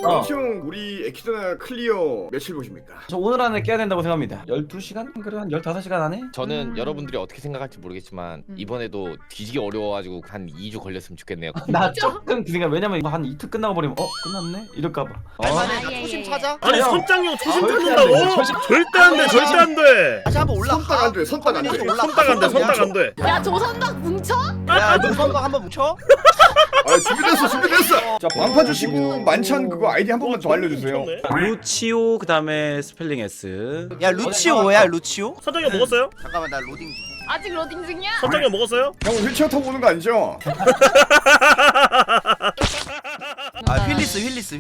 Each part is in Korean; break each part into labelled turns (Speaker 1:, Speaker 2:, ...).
Speaker 1: 왕시형 우리 에키드나 클리어 며칠 보십니까?
Speaker 2: 저 오늘 안에 깨야 된다고 생각합니다. 12시간? 그래 한 15시간 안에?
Speaker 3: 저는 여러분들이 어떻게 생각할지 모르겠지만 이번에도 뒤지게 어려워가지고 한 2주 걸렸으면 좋겠네요.
Speaker 2: 나 조금 그 생각. 왜냐면 이거 한 이틀 끝나고 버리면 끝났네? 이럴까봐.
Speaker 4: 할만해. 초심 찾아.
Speaker 5: 아니 선장형 초심
Speaker 2: 절대 안
Speaker 5: 찾는다고?
Speaker 2: 돼.
Speaker 5: 절대 안 돼, 절대 안 돼.
Speaker 4: 다시 한번 올라가.
Speaker 1: 선딱 안 돼, 선딱 안 돼.
Speaker 5: 선딱 안 돼, 선딱 안 돼.
Speaker 6: 야 조선박 뭉쳐?
Speaker 4: 야, 노선박 한번 뭉쳐.
Speaker 1: 아, 준비됐어. 자, 방파 주시고 만찬 그거 아이디 한 번만 더 알려주세요.
Speaker 7: 루치오 그다음에 스펠링 S.
Speaker 4: 야, 루치오야, 루치오?
Speaker 5: 선장형 먹었어요?
Speaker 4: 잠깐만, 나 로딩 중.
Speaker 6: 아직 로딩 중이야?
Speaker 5: 선장형 먹었어요?
Speaker 1: 형 휠체어 타고 오는 거 아니죠?
Speaker 4: 아, 휠리스.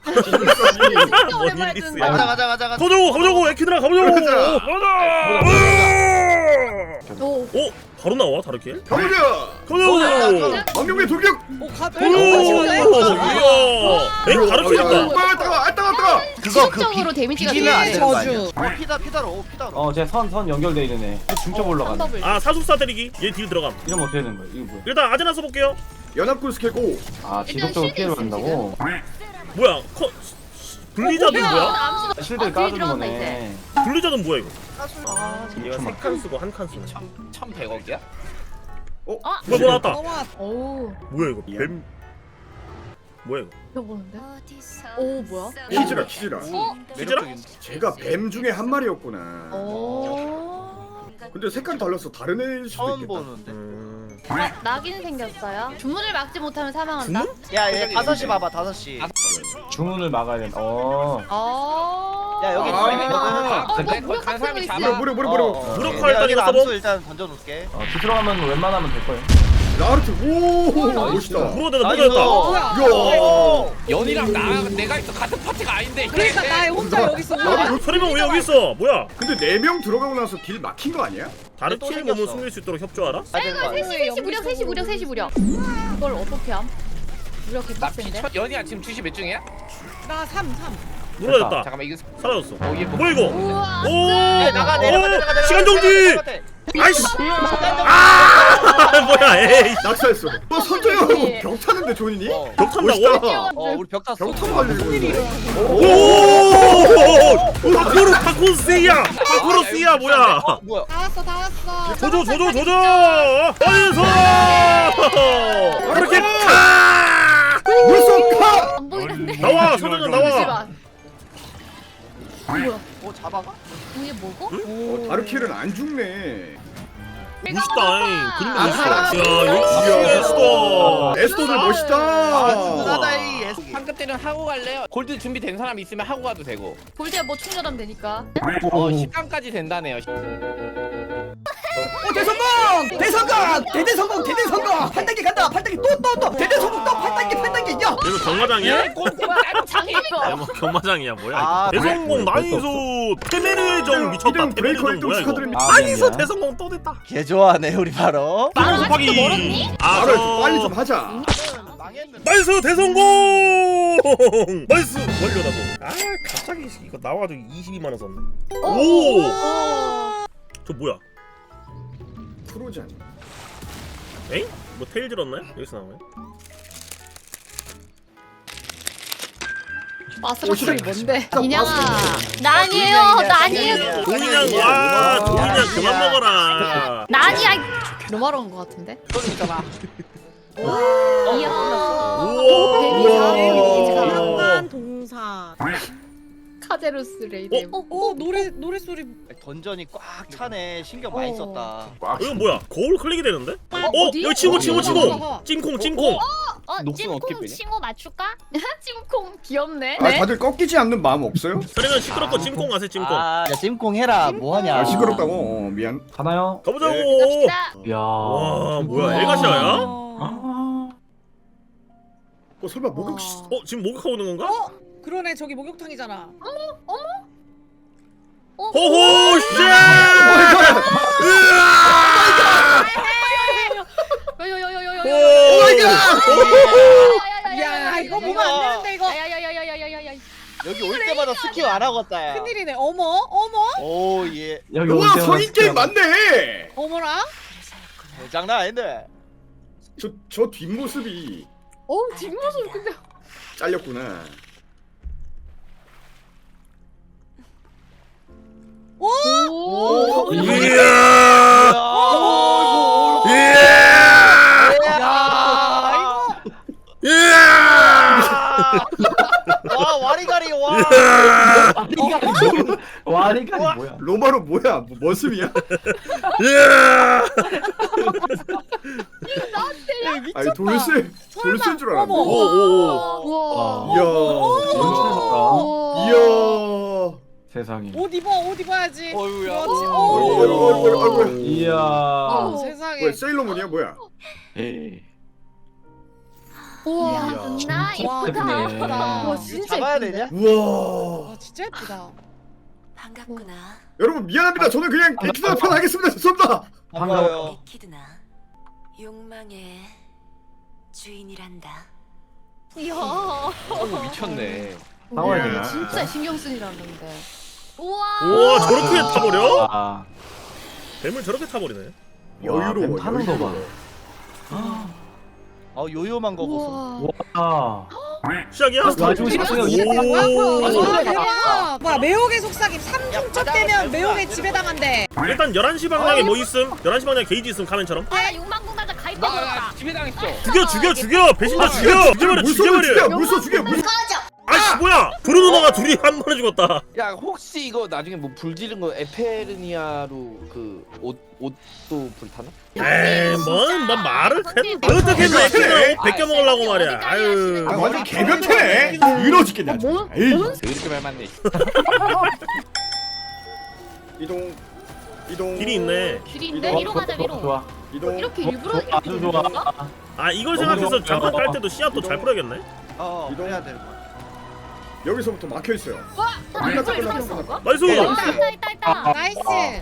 Speaker 5: 뭐
Speaker 6: 오랜만에
Speaker 5: 힐리스야.
Speaker 6: 듣는다.
Speaker 4: 가자.
Speaker 5: 가보자고 에키드라 가보자고.
Speaker 1: 가자.
Speaker 6: 오.
Speaker 5: 오, 바로 나와 다르게.
Speaker 1: 가보자.
Speaker 5: 가보자고.
Speaker 1: 망명의 돌격.
Speaker 5: 오, 이야. 에이 다르게 했다.
Speaker 1: 따가.
Speaker 4: 그거
Speaker 6: 지속적으로 데미지가
Speaker 4: 비기면 안 되는 거
Speaker 6: 저주.
Speaker 4: 아니야? 피다로.
Speaker 2: 쟤선 연결돼 있는 애. 중첩 올라가네.
Speaker 6: 더블.
Speaker 5: 아 사수사 때리기. 얘 딜 들어감.
Speaker 2: 이러면 어떻게 되는 거야? 이거 뭐야?
Speaker 5: 일단 아제나 써볼게요.
Speaker 1: 연합군 스킬 고.
Speaker 2: 아 지속적으로 피해를 받는다고?
Speaker 5: 뭐야? 블리자드는 뭐야?
Speaker 6: 암수.
Speaker 2: 실드를 깔아주는 거네.
Speaker 5: 블리자드는 뭐야 이거?
Speaker 6: 아,
Speaker 5: 얘가 3칸 쓰고 1칸 쓰네.
Speaker 3: 1100억이야?
Speaker 6: 아.
Speaker 5: 뭐 나왔다.
Speaker 6: 오.
Speaker 5: 뭐야 이거? 뱀. 뭐야 이거?
Speaker 6: 펴보는데? 오 뭐야?
Speaker 1: 키즈라.
Speaker 5: 키즈라?
Speaker 1: 제가 뱀 중에 한 마리였구나.
Speaker 6: 오.
Speaker 1: 근데 색깔이 달라서 다른 애일 수도
Speaker 4: 처음
Speaker 1: 있겠다.
Speaker 4: 보는데.
Speaker 6: 낙인 생겼어요. 주문을 막지 못하면 사망한다.
Speaker 4: 야, 얘 5시 봐봐, 5시.
Speaker 2: 주문을 막아야 된다.
Speaker 4: 야, 여기
Speaker 3: 근데 거기 간 사람이 잡아.
Speaker 1: 무려.
Speaker 5: 무력화 일단
Speaker 4: 여기
Speaker 5: 이거
Speaker 4: 암수
Speaker 5: 써봐.
Speaker 4: 일단 던져놓을게.
Speaker 2: 뒤들어가면 웬만하면 될 거예요.
Speaker 1: 라르트. 오, 멋있다.
Speaker 5: 물어냈다.
Speaker 1: 야.
Speaker 3: 연이랑 내가 있어 같은 파티가 아닌데.
Speaker 8: 그러니까 나 혼자 여기 있어.
Speaker 5: 서리명 왜 여기 있어? 뭐야?
Speaker 1: 근데 4명 들어가고 나서 길 막힌 거 아니야?
Speaker 5: 다른
Speaker 4: 또
Speaker 5: 팀
Speaker 4: 생겼어.
Speaker 5: 몸을 숨길 수 있도록 협조하라?
Speaker 6: 아이고 셋이 무력. 이걸 어떻게 함? 무력 개빡센데?
Speaker 3: 연이야 지금 주시 몇 중이야?
Speaker 8: 나 3.
Speaker 5: 물어냈다.
Speaker 3: 잠깐만 이거
Speaker 5: 사라졌어.
Speaker 3: 얘
Speaker 5: 뭐야 이거?
Speaker 6: 우와.
Speaker 5: 오!
Speaker 4: 내려가.
Speaker 5: 시간 정지! 아이씨! 아! 뭐야 에이!
Speaker 1: 낙사했어. 너 선조형 벽 타는데 존이니?
Speaker 5: 벽 탄다고?
Speaker 1: 멋있다.
Speaker 4: 우리 벽 탔어.
Speaker 1: 벽 타고 하려고 했는데.
Speaker 5: 오! 파쿠르스야! 파쿠르스야 뭐야?
Speaker 4: 뭐야?
Speaker 8: 다 왔어.
Speaker 5: 조져! 어디서! 그렇게 가!
Speaker 1: 물속 카!
Speaker 6: 안 보이는데?
Speaker 5: 나와! 소장님 나와!
Speaker 6: 잠시만.
Speaker 4: 잡아가?
Speaker 6: 이게 뭐고?
Speaker 1: 다르킬은 안 죽네.
Speaker 5: 멋있다 그림 멋있어.
Speaker 1: 아,
Speaker 5: 야 역시 에스더!
Speaker 1: 에스더들 멋있다.
Speaker 4: 나다이.
Speaker 3: 황금 때는 하고 갈래요? 골드 준비된 사람 있으면 하고 가도 되고.
Speaker 6: 골드야 뭐 충전하면 되니까.
Speaker 3: 10강까지 된다네요.
Speaker 9: 대대성공 8단계 간다 8단계 또 대대성공 또 8단계 야
Speaker 5: 이거 경마장이야?
Speaker 6: 장이거.
Speaker 5: 뭐 경마장이야 뭐야?
Speaker 4: 아,
Speaker 5: 대성공 나이스 테메르정 미쳤다.
Speaker 1: 이름 브레이커
Speaker 5: 테메르정 뭐야
Speaker 1: 1등
Speaker 5: 이거?
Speaker 1: 축하드립니다.
Speaker 5: 나이스 대성공 또 됐다.
Speaker 4: 개 좋아하네 우리 바로.
Speaker 5: 빵 곱하기. 아
Speaker 1: 말을 빨리 좀 하자.
Speaker 4: 망했는데.
Speaker 5: 나이스 대성공. 나이스 완료라고. 아 갑자기 이거 나와가지고 22만 원 썼네. 오. 저 뭐야?
Speaker 1: 프로잖아.
Speaker 5: 에잉? 뭐 테일 들었나요? 여기서 나오네.
Speaker 6: 마스터이 뭔데?
Speaker 1: 진짜
Speaker 6: 인양아.
Speaker 1: 마스터.
Speaker 6: 나 아니에요.
Speaker 5: 도인양 와 도인양 그만 먹어라.
Speaker 6: 나 아니야. 로마로운 거 같은데? 이야.
Speaker 5: 우와.
Speaker 8: 상관 동사.
Speaker 6: 카제로스 레이드.
Speaker 8: 노래 소리.
Speaker 4: 던전이 꽉 차네. 신경 많이 썼다.
Speaker 5: 이건 뭐야? 거울 클릭이 되는데?
Speaker 6: 어디?
Speaker 5: 여기 친구
Speaker 8: 어디?
Speaker 5: 찡콩.
Speaker 3: 녹슨 어떻게
Speaker 6: 찜콩
Speaker 3: 빼냐?
Speaker 6: 칭호 맞출까? 찜콩 귀엽네.
Speaker 1: 아, 다들 꺾이지 않는 마음 없어요?
Speaker 5: 서리는 시끄럽고 찜콩 가세 찜콩.
Speaker 4: 야 찜콩 해라. 뭐하냐?
Speaker 1: 아, 시끄럽다고. 미안.
Speaker 2: 가나요?
Speaker 5: 가보자고.
Speaker 6: 갑시다.
Speaker 2: 이야.
Speaker 5: 와 뭐야 엘가시아야?
Speaker 1: 설마 목욕
Speaker 5: 지금 목욕하고 오는 건가?
Speaker 8: 그러네 저기 목욕탕이잖아.
Speaker 5: 호호 씨!
Speaker 8: 야 이거 보면 안 되는데 이거.
Speaker 6: 야야야야야야야야야야야.
Speaker 4: 여기 올 때마다 스킵 안 하고 왔다. 야.
Speaker 8: 큰일이네. 어머.
Speaker 4: 오 예.
Speaker 2: 여기
Speaker 1: 우와,
Speaker 2: 올 때마다
Speaker 1: 성인 게임 맞네.
Speaker 8: 어머나.
Speaker 4: 장난 아닌데.
Speaker 1: 저 뒷모습이
Speaker 6: 뒷모습 근데
Speaker 1: 잘렸구나.
Speaker 6: 오.
Speaker 5: 이야.
Speaker 4: 야,
Speaker 5: 이야.
Speaker 4: 와 와리가리 와.
Speaker 2: 와리가리 뭐야?
Speaker 1: 로마로 뭐야? 뭐 머슴이야?
Speaker 5: 이야.
Speaker 1: 아니 돌쇠 돌쇠인 줄 알았네.
Speaker 5: 오오오.
Speaker 6: 우와.
Speaker 1: 이야.
Speaker 2: 어.
Speaker 1: 이야.
Speaker 2: 세상에.
Speaker 8: 옷 입어야지.
Speaker 4: 어휴야.
Speaker 8: 그렇지.
Speaker 1: 아이고.
Speaker 2: 이야.
Speaker 6: 어.
Speaker 8: 세상에.
Speaker 1: 뭐야 세일러문이야 뭐야?
Speaker 2: 에이.
Speaker 6: 우와.
Speaker 1: 이야.
Speaker 6: 나 예쁘다.
Speaker 2: 예쁘네.
Speaker 6: 와
Speaker 4: 이거
Speaker 6: 진짜
Speaker 4: 잡아야
Speaker 6: 예쁜데?
Speaker 4: 되냐?
Speaker 1: 우와.
Speaker 8: 와 진짜 예쁘다.
Speaker 10: 반갑구나.
Speaker 1: 여러분 미안합니다. 저는 그냥 에키드나 편 하겠습니다. 죄송합니다.
Speaker 4: 반가워요.
Speaker 10: 에키드나 욕망의 주인이란다.
Speaker 6: 이야.
Speaker 3: 미쳤네.
Speaker 2: 나와야
Speaker 1: 이야.
Speaker 2: 되나?
Speaker 6: 진짜 신경 쓰이라는 건데. 우와.
Speaker 5: 우와 저렇게 타버려?
Speaker 2: 아.
Speaker 5: 뱀을 저렇게 타버리네.
Speaker 1: 여유로워.
Speaker 2: 타는 거 봐.
Speaker 4: 요요만 거 보소.
Speaker 6: 우와.
Speaker 2: 와.
Speaker 5: 시작이야?
Speaker 2: 와주고 싶어요.
Speaker 5: 오.
Speaker 8: 아 대박. 뭐야 매혹의 속삭임 3중첩 되면 매혹의 지배당한대.
Speaker 5: 일단 11시 방향에 뭐 있음? 11시 방향에 게이지 있음 카멘처럼.
Speaker 6: 아 욕망공달자 가입해줬다.
Speaker 3: 나 집에 당했어.
Speaker 5: 죽여 배신자 죽여 죽여버려 죽여버려.
Speaker 1: 물소 죽여.
Speaker 5: 아씨 뭐야 브루 누나가 둘이 한 번에 죽었다.
Speaker 3: 야 혹시 이거 나중에 뭐 불 지른 거 에페르니아로 그 옷도 불타나?
Speaker 5: 에이 뭔 말을 어떻게 했나 에키드나 옷 벗겨 먹으려고 말이야. 아유.
Speaker 1: 아 완전 개변태네. 이러 죽겠네. 아주.
Speaker 6: 뭐?
Speaker 1: 에이.
Speaker 3: 왜 이렇게 말 맞네.
Speaker 1: 이동. 이동.
Speaker 5: 길이 있네.
Speaker 6: 길인데 위로 가자 위로.
Speaker 2: 좋아.
Speaker 1: 이동.
Speaker 6: 이렇게 일부러 이렇게
Speaker 2: 아주 좋아.
Speaker 6: 되는 건가?
Speaker 5: 아 이걸 생각해서 장판 깔 때도 씨앗도 잘 뿌려야겠네.
Speaker 4: 이동해야 되는 거야.
Speaker 1: 여기서부터 막혀 있어요.
Speaker 6: 와. 이거 이렇게 되는 건가?
Speaker 5: 나이스.
Speaker 6: 있다.
Speaker 8: 나이스.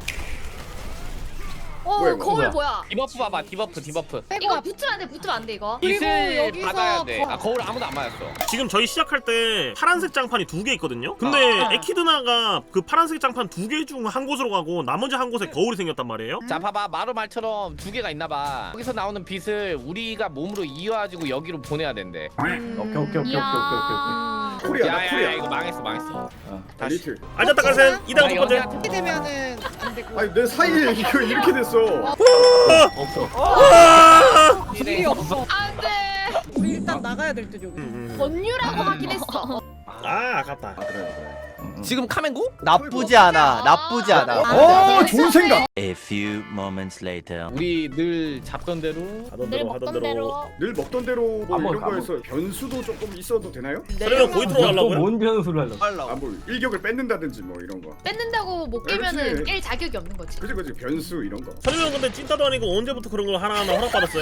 Speaker 1: 뭐야, 이거?
Speaker 6: 거울 뭐야?
Speaker 3: 디버프 봐봐 디버프.
Speaker 6: 이거 붙으면 안 돼. 붙으면 안 돼 이거.
Speaker 8: 그리고
Speaker 3: 빛을
Speaker 8: 여기서
Speaker 3: 받아야 돼. 아 거울 아무도 안 맞았어.
Speaker 5: 지금 저희 시작할 때 파란색 장판이 2개 있거든요. 근데 에키드나가 그 파란색 장판 2개 중 한 곳으로 가고 나머지 한 곳에 거울이 생겼단 말이에요.
Speaker 3: 자 봐봐 마루 말처럼 2개가 있나봐. 여기서 나오는 빛을 우리가 몸으로 이어가지고 여기로 보내야 된대.
Speaker 2: 오케이.
Speaker 1: 쿨이야. 나
Speaker 3: 야야야
Speaker 1: 쿨이야.
Speaker 3: 이거 망했어.
Speaker 1: 리틀.
Speaker 5: 알자타 깔센 2단 첫 번째.
Speaker 8: 이렇게 되면은 안 되고.
Speaker 1: 아니 내 사이에 이거 이렇게 됐어.
Speaker 2: 없어.
Speaker 8: 길이 없어.
Speaker 6: 안돼.
Speaker 8: 우리 일단 나가야 될 듯 여기.
Speaker 6: 권유라고 하긴 했어.
Speaker 5: 아 아깝다.
Speaker 1: 그래.
Speaker 3: 지금 카멘고?
Speaker 4: 나쁘지 않아. 나쁘지 않아.
Speaker 1: 좋은 생각.
Speaker 11: A few moments later.
Speaker 3: 우리 늘 잡던 대로
Speaker 5: 하던
Speaker 6: 늘
Speaker 5: 대로 하던
Speaker 6: 먹던
Speaker 5: 대로.
Speaker 6: 대로.
Speaker 1: 늘 먹던 대로 뭐
Speaker 2: 안
Speaker 1: 이런
Speaker 2: 먹어,
Speaker 1: 거에서 변수도 조금 있어도 되나요?
Speaker 5: 그러면 고이트로 가려고요?
Speaker 2: 뭔 변수를 하려고?
Speaker 4: 빨라.
Speaker 1: 아 뭐 일격을 뺏는다든지 뭐 이런 거.
Speaker 6: 뺏는다고 못 깨면은
Speaker 1: 그렇지.
Speaker 6: 깰 자격이 없는 거지.
Speaker 1: 그지 변수 이런 거.
Speaker 5: 설명 근데 찐따도 아니고 언제부터 그런 걸 하나하나 허락받았어요?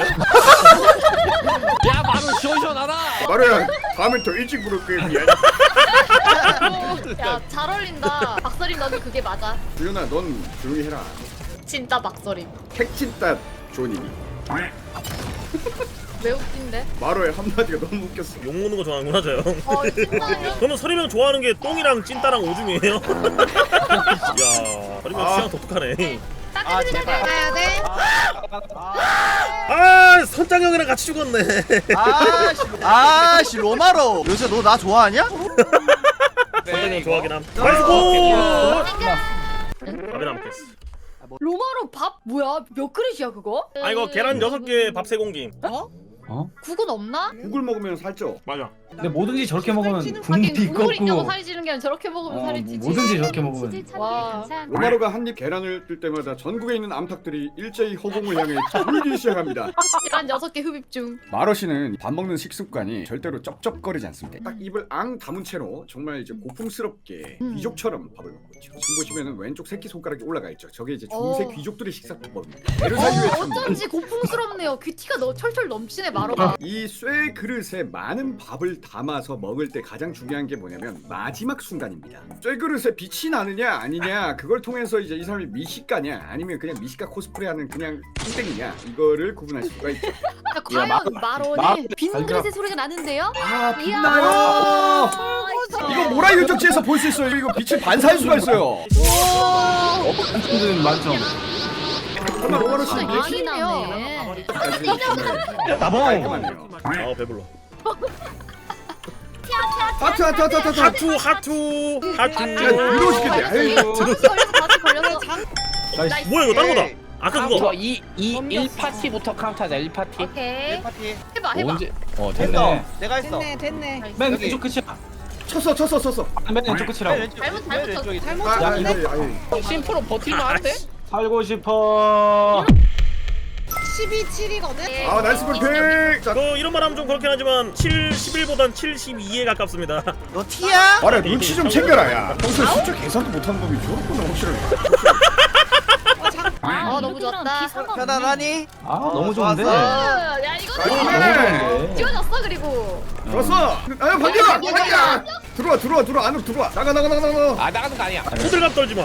Speaker 3: 야 마루 시원시원하다.
Speaker 1: 마루야 다음엔 더 일찍 부를게 미안.
Speaker 6: 야 잘 어울린다. 박서림 너도 그게 맞아.
Speaker 1: 주연아 넌 조용히 해라.
Speaker 6: 진짜 박서림.
Speaker 1: 택진따 존이니.
Speaker 6: 왜 웃긴데?
Speaker 1: 마루의 한마디가 너무 웃겼어.
Speaker 5: 욕 먹는 거 좋아하는구나 저 형.
Speaker 6: 진짜요?
Speaker 5: 저는 서리명 좋아하는 게 똥이랑 찐따랑 오줌이에요. 이야 서리명 취향 독특하네.
Speaker 4: 제발.
Speaker 8: 가야 돼.
Speaker 5: 아 선장형이랑 같이 죽었네.
Speaker 4: 아씨 로마로. 요새 너 나 좋아하냐?
Speaker 5: 선장형 좋아하긴 함. 나이스 고! 밥이 남겠어.
Speaker 6: 로마로 밥 뭐야? 몇 그릇이야 그거?
Speaker 5: 아 이거 계란 6개 밥 3공기.
Speaker 6: 국은 없나?
Speaker 1: 국을 먹으면 살쪄.
Speaker 5: 맞아.
Speaker 2: 근데 뭐든지 저렇게 먹으면
Speaker 6: 하긴
Speaker 2: 굶기
Speaker 6: 국물 있냐고
Speaker 2: 꺾고.
Speaker 6: 살이 찌는 게 아니라 저렇게 먹으면 살이 찌지.
Speaker 2: 뭐든지 저렇게 먹으면.
Speaker 6: 와.
Speaker 1: 로마로가 한 입 계란을 뜰 때마다 전국에 있는 암탉들이 일제히 허공을 향해 울기 시작합니다.
Speaker 6: 계란 6개 흡입 중.
Speaker 1: 마로 씨는 밥 먹는 식습관이 절대로 쩝쩝거리지 않습니다. 딱 입을 앙 다문 채로 정말 이제 고풍스럽게 귀족처럼 밥을 먹고 있죠. 지금 보시면은 왼쪽 새끼 손가락이 올라가 있죠. 저게 이제 중세 귀족들의 식사법입니다. 베르사유의 천국.
Speaker 6: 어쩐지 고풍스럽네요. 귀티가 철철 넘치네 마로가.
Speaker 1: 이 쇠 그릇에 많은 밥을 담아서 먹을 때 가장 중요한 게 뭐냐면 마지막 순간입니다. 쇠 그릇에 빛이 나느냐 아니냐 그걸 통해서 이제 이 사람이 미식가냐 아니면 그냥 미식가 코스프레하는 그냥 땡땡이냐 이거를 구분할 수가 있죠.
Speaker 6: 과연 마로는 빈 그릇의 소리가 나는데요?
Speaker 1: 아
Speaker 6: 이야.
Speaker 1: 빛나요. 이거 모라 유적지에서 볼 수 있어요. 이거 빛을 반사할 수가 있어요.
Speaker 2: 만점은 만점.
Speaker 1: 정말 로마로 씨
Speaker 6: 진짜
Speaker 1: 이게
Speaker 6: 많이 나네.
Speaker 1: 깔끔하네요.
Speaker 5: 아 배불러.
Speaker 1: 하트.
Speaker 5: 하투.
Speaker 1: 야, 이러고 싶겠네. 에이.
Speaker 6: 걸려서 다시 걸렸어.
Speaker 2: 나이스.
Speaker 5: 뭐야 이거 다른 거다.
Speaker 4: 오케이.
Speaker 5: 아까
Speaker 3: 이거
Speaker 5: 그거.
Speaker 3: 이 1파티부터 카운트하자 1파티.
Speaker 6: 오케이.
Speaker 4: 파티.
Speaker 6: 해봐.
Speaker 3: 언제? 됐네.
Speaker 4: 됐어. 내가 했어.
Speaker 8: 됐네.
Speaker 2: 맨
Speaker 4: 여기.
Speaker 2: 왼쪽 끝이야.
Speaker 1: 쳤어.
Speaker 2: 맨 왼쪽 끝이라고.
Speaker 6: 잘못 쳤어.
Speaker 8: 잘못
Speaker 1: 아,
Speaker 8: 쳤는데?
Speaker 3: 심프로 버틸만 한데?
Speaker 2: 살고 싶어.
Speaker 8: 12-7이거든?
Speaker 1: 아 나이스 볼핑. 자,
Speaker 5: 이런 말 하면 좀 그렇긴 하지만 11보단 72에 가깝습니다.
Speaker 4: 너 티야?
Speaker 1: 말해 눈치 좀 챙겨라 야. 평소에 숫자 계산도 못하는 놈이 저렇구나 확실하게.
Speaker 6: 너무 좋았다.
Speaker 4: 편안하니?
Speaker 2: 아 너무 좋은데.
Speaker 4: 좋았어.
Speaker 6: 야 이거
Speaker 1: 나이스.
Speaker 6: 지워졌어 그리고.
Speaker 1: 좋았어. 아 반기야. 들어와 안으로 들어와. 나가.
Speaker 3: 아 나가는 거 아니야.
Speaker 5: 호들갑 떨지 마.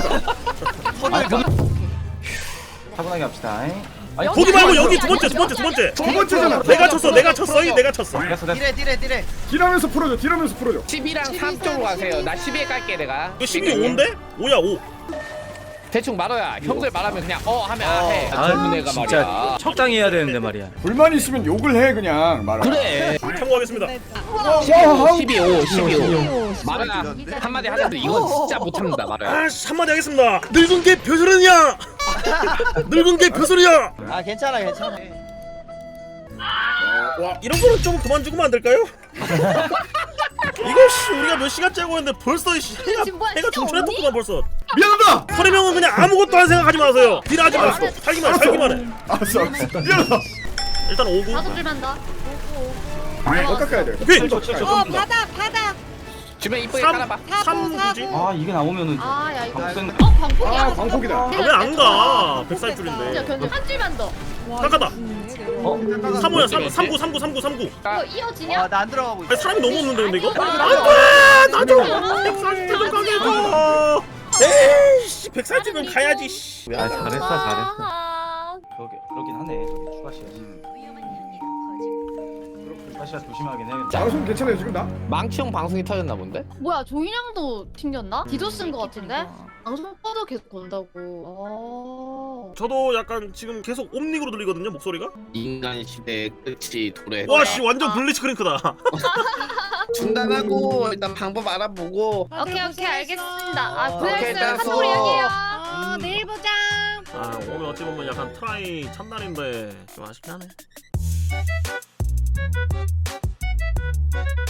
Speaker 2: 차분하게 합시다. 아니,
Speaker 6: 여기
Speaker 5: 거기 말고
Speaker 6: 아니야,
Speaker 5: 여기
Speaker 6: 여기
Speaker 5: 두 번째.
Speaker 6: 아니야.
Speaker 1: 두 번째잖아.
Speaker 5: 내가 쳤어. 내가 쳤어.
Speaker 2: 됐어.
Speaker 4: 딜해.
Speaker 1: 딜하면서 풀어줘.
Speaker 3: 12랑 3 쪽으로 가세요. 나 12에 깔게 내가.
Speaker 5: 이거 12 5인데? 5야 5.
Speaker 3: 대충 말어야. 형들 말하면 그냥 하면 해.
Speaker 7: 아
Speaker 3: 젊은 애가
Speaker 7: 진짜
Speaker 3: 말이야.
Speaker 7: 적당히 해야 되는데 말이야.
Speaker 1: 불만 있으면 욕을 해 그냥 말아.
Speaker 3: 그래.
Speaker 5: 참고하겠습니다.
Speaker 3: 12 말아야 한마디 하자도 이건 진짜 못합니다 말아야.
Speaker 5: 아 한마디 하겠습니다. 늙은 게 벼슬이냐? 늙은 게 벼슬이야.
Speaker 4: 아 괜찮아.
Speaker 5: 와 이런 거는 좀 그만 주면 안 될까요? 이거 씨 우리가 몇 시간째 하고 있는데 벌써 씨
Speaker 6: 지금 뭐야,
Speaker 5: 해가
Speaker 6: 진짜
Speaker 5: 중천했구만 벌써.
Speaker 1: 미안하다.
Speaker 5: 서래명은 그냥 아무것도 할 생각하지 마세요. 딜하지 마시고 살기만 해.
Speaker 1: 알았어. 미안하다.
Speaker 5: 일단 5구.
Speaker 6: 다섯 줄만 더.
Speaker 1: 더 깎아야 돼.
Speaker 5: 오케이.
Speaker 8: 바닥.
Speaker 3: 주변 이쁘게
Speaker 5: 3
Speaker 3: 깔아봐.
Speaker 5: 3 굳이?
Speaker 2: 아 이게 나오면은
Speaker 6: 아야 이거.
Speaker 2: 광폭
Speaker 6: 광폭이야.
Speaker 1: 아 광폭이다.
Speaker 5: 왜 안 가?
Speaker 6: 진짜
Speaker 5: 100살줄인데.
Speaker 6: 견뎌. 한 줄만 더.
Speaker 5: 깎아다.
Speaker 2: 어?
Speaker 5: 3호야 39.
Speaker 6: 이거 이어지냐?
Speaker 4: 나 안 들어가고 있어.
Speaker 5: 아니 사람이 너무 없는데 근데 이거?
Speaker 6: 아,
Speaker 5: 나도
Speaker 6: 아,
Speaker 5: 140줄 좀 가게 해줘. 에이씨 140줄 가야지 씨.
Speaker 2: 아 잘했어.
Speaker 6: 아,
Speaker 2: 그러긴 하네. 저기 추가 시야. 추가 시야 조심하긴 해야겠다.
Speaker 1: 방송 괜찮아요 지금 나?
Speaker 3: 망치형 방송이 터졌나 본데?
Speaker 6: 뭐야 조인양도 튕겼나? 디도스인 것 같은데? 방송 꺼도 계속 건다고.
Speaker 5: 저도 약간 지금 계속 옴닉으로 들리거든요 목소리가.
Speaker 3: 인간 시대의 끝이 도래.
Speaker 5: 와씨 완전 블리츠 크랭크다.
Speaker 3: 중단하고 일단 방법 알아보고.
Speaker 6: 오케이 알겠습니다. 아
Speaker 3: 오케이,
Speaker 6: VS
Speaker 3: 됐어.
Speaker 6: 카톡으로 이야기해요.
Speaker 8: 내일 보자.
Speaker 5: 아 오늘 어찌 보면 약간 트라이 첫날인데 좀 아쉽긴 하네.